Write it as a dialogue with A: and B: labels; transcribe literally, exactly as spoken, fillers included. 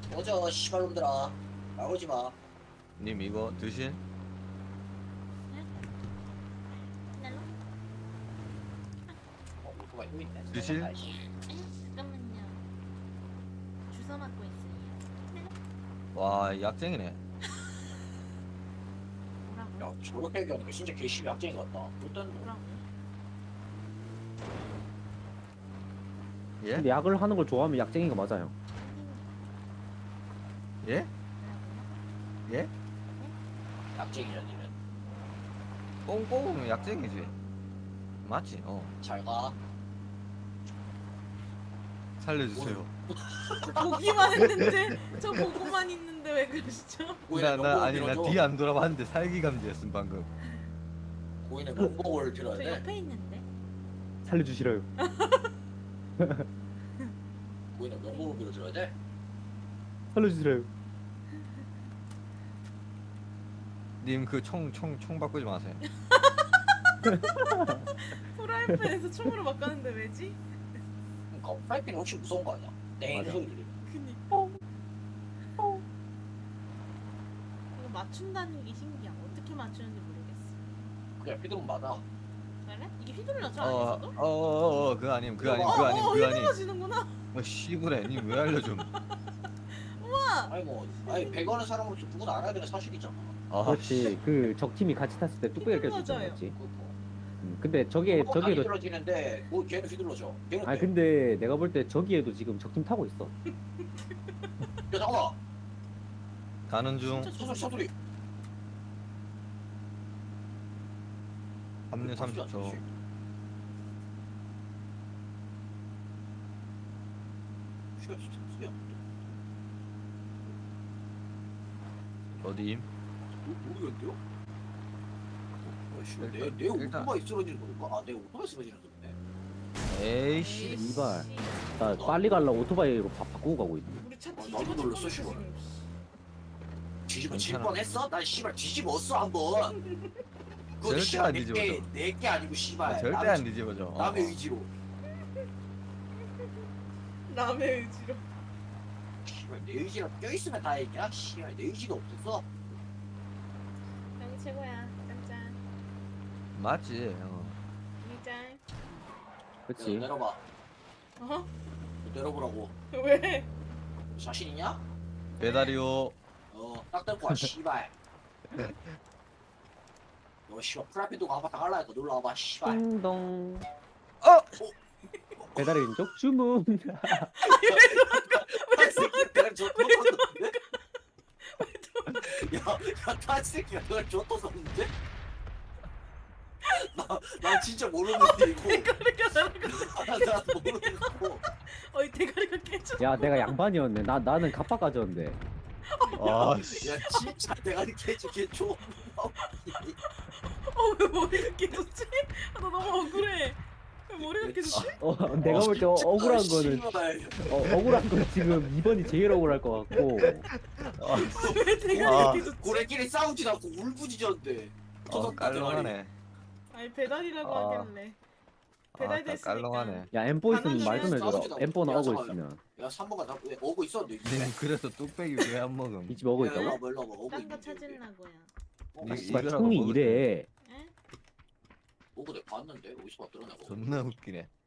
A: 어저 씨발놈들아 나오지 마.
B: 님 이거 드신?
A: 어, 오토바이 또 있네.
B: 드실?
A: 가야지.
C: 잠깐만요. 주워 맞고 있어요.
B: 와 약쟁이네.
C: 뭐라고?
A: 야 저렇게 얘기하니까 진짜 개씨 약쟁이 같다. 일단
C: 뭐라고?
B: 예?
D: 근데 약을 하는 걸 좋아하면 약쟁이가 맞아요.
B: 예? 예?
A: 약쟁이냐 니는.
B: 꽁꽁 약쟁이지. 맞지? 어.
A: 잘 가.
B: 살려주세요.
C: 보기만 했는데 저 보고만 있는데 왜 그러시죠?
A: 고인의
B: 나 나
A: 명복을
B: 아니 나
A: 빌어줘.
B: 뒤 안 돌아봤는데 살기감지했음 방금.
A: 고인의 명복을 빌어야
C: 저
A: 돼.
C: 옆에 있는데.
D: 살려주시라요.
A: 고인의 명복을 빌어줘야 돼.
D: 살려주시라요.
B: 님 그 총 총 총 바꾸지 마세요.
C: 프라이팬에서 총으로 바꿨는데 왜지?
A: 그러니까 프라이팬이 혹시 무서운 거 아니야? 땡
D: 맞아.
A: 소리 들리면.
C: 그니. 이거 맞춘다는 게 신기야. 어떻게 맞추는지 모르겠어.
A: 그냥 휘두르면 맞아.
C: 그래? 이게 휘둘러져 안에서도?
B: 어어어 그거 아님 그거 아님
A: 어,
B: 그거 아님
C: 어,
B: 그거 아님.
C: 휘둘러지는구나.
B: 어 씨부래 님 왜 알려줌?
C: 우와.
A: 아니 뭐 아니 배가는 사람으로서 누구나 알아야 되는 사실이잖아.
B: 아
D: 그렇지. 그 적 팀이 같이 탔을 때 뚝배기를 깰수 있잖아,
C: 맞아요.
D: 맞지?
A: 그렇고.
D: 음, 근데 저기에
A: 다
D: 저기에도
A: 휘둘러지는데 뭐 걔는 휘둘러져. 걔는
D: 아니
A: 돼.
D: 근데 내가 볼 때 저기에도 지금 적팀 타고 있어.
A: 야 잠깐만.
B: 가는 중
C: 진짜
A: 소소리 소소리.
B: 합류 삼십 초.
A: 수야 진짜 수야.
B: 어디임?
A: 모르겠는데요?
B: 일단-
A: 내내
B: 일단-
A: 오토바이 쓰러지는 건가? 아, 내 오토바이 쓰러지는 건데.
B: 에이씨.
D: 이발. 나 빨리 가려고 오토바이로 바, 바꾸고 가고 있네.
C: 우리 차
A: 어,
C: 뒤집어
A: 나도 놀랐어,
C: 쳤어,
A: 씨발.
C: 지금.
A: 뒤집어 칠
B: 괜찮아.
A: 뻔했어? 난 씨발 뒤집었어 한번. 그거
B: 절대
A: 씨발
B: 안
A: 내게
B: 뒤집어져.
A: 내게 아니고 씨발.
B: 아, 절대
A: 남의-
B: 안 뒤집어져. 어.
A: 남의 의지로.
C: 남의 의지로.
A: 씨발 내 의지가 껴있으면 다행이야. 씨발 내 의지가 없었어.
C: 여기 최고야. 짠짠.
B: 맞지. 어.
C: 이짠.
D: 그렇지.
A: 야, 내려봐.
C: 어?
A: 내려보라고.
C: 왜?
A: 자신 있냐?
B: 배달이요.
A: 어, 딱 들고 와 씨발. 너 씨발 프라이팬 두고 한번 당할라니까 놀러 와봐 씨발.
D: 띵동.
B: 어!
D: 배달의 민족 주문.
A: 내가 저 떴었는데? 야, 야, 타 새끼가 내가 저 떴었는데? 나, 나 진짜 모르는데 이거.
C: 대가리가 날아가.
A: 나, 나 모르는 거.
C: 어이 대가리가 깨져.
D: 야 내가 양반이었네. 나 나는 갑바 가져왔는데.
B: 아 씨.
A: 야, 진짜 내가 이렇게 해줄게 줘.
C: 어왜 머리가 깨졌지? 아, 나 너무 억울해. 왜 머리가 깨졌지?
D: 어 내가 볼 때 억울한 거는
A: 씨발.
D: 어, 억울한 건 지금 이번이 제일 억울할 것 같고.
C: 왜 대가리가
B: 아.
C: 깨졌지?
A: 고래끼리 싸우지도 않고 울부짖었는데.
B: 어 깔롱하네.
C: 아니 배달이라고
D: 아.
C: 하길래.
B: 아
C: 배달됐으니까.
B: 깔롱하네.
D: 야 엠포 있으면 말 좀 해줘라.
A: 싸우지도 않고
D: 엠포 나오고
A: 야,
D: 있으면.
A: 야, 삼 번가 나 왜, 오고 있었는데 이 집에.
B: 님 그래서 뚝배기 왜 안 먹음?
D: 이 집 오고
A: 야, 일로
D: 있다고?
A: 와봐, 일로 와봐. 오고
C: 딴 거
A: 있는데, 여기.
C: 찾으려고요.
A: 어,
B: 니-
D: 씨발
B: 이거라고
D: 총이
B: 먹을
D: 이래.
C: 에?
A: 오고 내가 봤는데 어디서 봤더라 내가.
B: 존나 웃기네.